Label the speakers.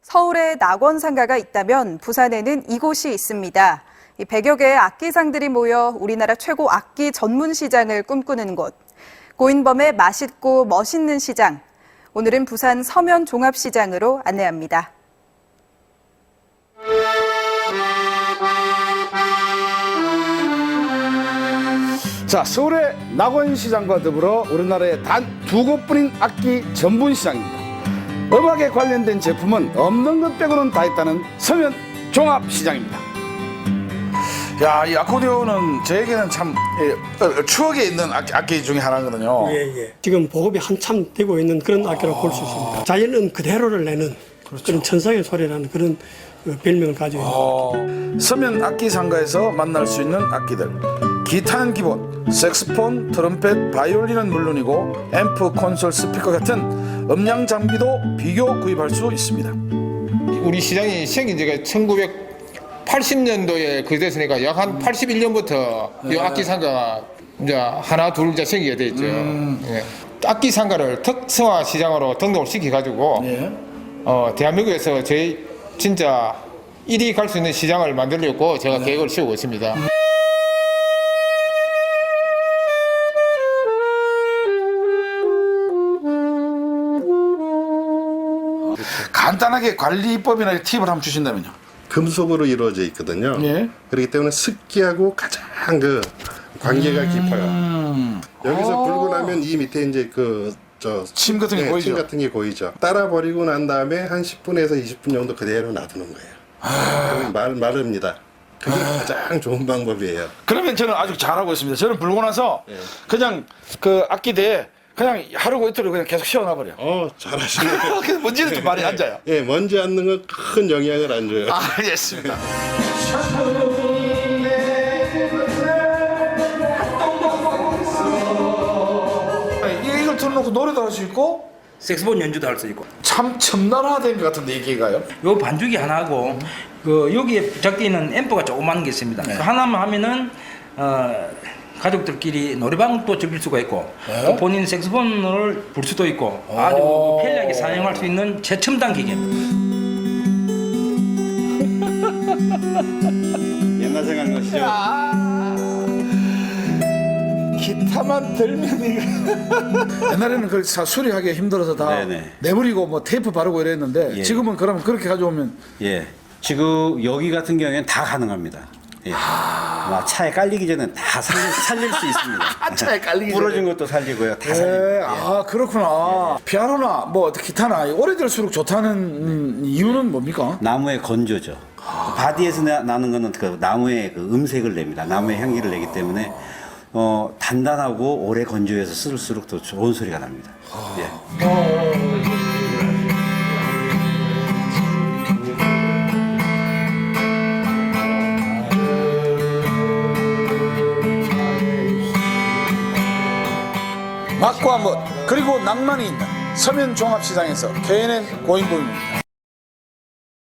Speaker 1: 서울에 낙원상가가 있다면 부산에는 이곳이 있습니다. 100여 개의 악기상들이 모여 우리나라 최고 악기 전문 시장을 꿈꾸는 곳. 고인범의 맛있고 멋있는 시장. 오늘은 부산 서면 종합시장으로 안내합니다.
Speaker 2: 자, 서울의 낙원시장과 더불어 우리나라의 단 두 곳뿐인 악기 전문 시장입니다. 음악에 관련된 제품은 없는 것 빼고는 다 있다는 서면 종합시장입니다. 야, 이 아코디온은 저에게는 참 추억에 있는 악기 중에 하나거든요.
Speaker 3: 예. 지금 보급이 한참 되고 있는 그런 악기라고 볼 수 있습니다. 자연은 그대로를 내는 그런 천상의 소리라는 그런 별명을 가지고 있습니다.
Speaker 2: 서면 악기 상가에서 만날 수 있는 악기들. 기타는 기본, 색스폰, 트럼펫, 바이올린은 물론이고 앰프, 콘솔, 스피커 같은 음량 장비도 비교 구입할 수 있습니다.
Speaker 4: 우리 시장이 생긴 지가 1980년도에 그 됐으니까 약 한 81년부터 이 악기 상가가 이제 하나 둘 이제 생기게 돼 있죠. 예. 악기 상가를 특성화 시장으로 등록을 시켜가지고 대한민국에서 저희 진짜 1위 갈 수 있는 시장을 만들려고 제가 계획을 세우고 있습니다.
Speaker 2: 간단하게 관리법이나 팁을 한번 주신다면요.
Speaker 5: 금속으로 이루어져 있거든요.
Speaker 2: 예.
Speaker 5: 그렇기 때문에 습기하고 가장 그 관계가 깊어요. 여기서 불고 나면 이 밑에 이제
Speaker 2: 침 같은 게 보이죠?
Speaker 5: 침 같은 게 보이죠. 따라 버리고 난 다음에 한 10분에서 20분 정도 그대로 놔두는 거예요. 그러면 마릅니다. 그게 가장 좋은 방법이에요.
Speaker 2: 그러면 저는 아주 잘하고 있습니다. 저는 불고 나서 그냥 그 악기대에 그냥 하루고 이틀을 그냥 계속 씌워놔버려.
Speaker 5: 잘하시네요.
Speaker 2: 그래서 먼지는 좀 많이 앉아요.
Speaker 5: 예, 먼지 앉는 건 큰 영향을 안 줘요.
Speaker 2: 알겠습니다. 이걸 틀어놓고 노래도 할 수 있고
Speaker 6: 색소폰 연주도 할 수 있고.
Speaker 2: 참 첨단화된 것 같은데 이 기가요?
Speaker 6: 요 반죽이 하나고 그 여기에 부착되어 있는 앰프가 조그만 게 있습니다. 그 하나만 하면은 가족들끼리 노래방도 즐길 수가 있고 또 본인 색소폰을 불 수도 있고 아주 편리하게 사용할 수 있는 최첨단 기계입니다.
Speaker 5: 옛날 생각난 것이죠.
Speaker 2: 기타만 들면 이거 옛날에는 그 수리하기 힘들어서 다
Speaker 7: 네네.
Speaker 2: 내버리고 뭐 테이프 바르고 이랬는데
Speaker 7: 예.
Speaker 2: 지금은 그러면 그렇게 가져오면
Speaker 7: 예. 지금 여기 같은 경우에는 다 가능합니다. 예. 차에 깔리기 전에 다 살릴 수 있습니다.
Speaker 2: 차에 깔리기
Speaker 7: 부러진
Speaker 2: 전에.
Speaker 7: 것도 살리고요. 다 살리고.
Speaker 2: 그렇구나. 피아노나 뭐 기타나 오래될수록 좋다는 이유는 뭡니까?
Speaker 7: 나무의 건조죠. 바디에서 나는 거는 그 나무의 그 음색을 냅니다. 나무의 향기를 내기 때문에 단단하고 오래 건조해서 쓸수록 더 좋은 소리가 납니다. 예.
Speaker 2: 맛과 멋 그리고 낭만이 있는 서면 종합시장에서 KNN 고인범입니다.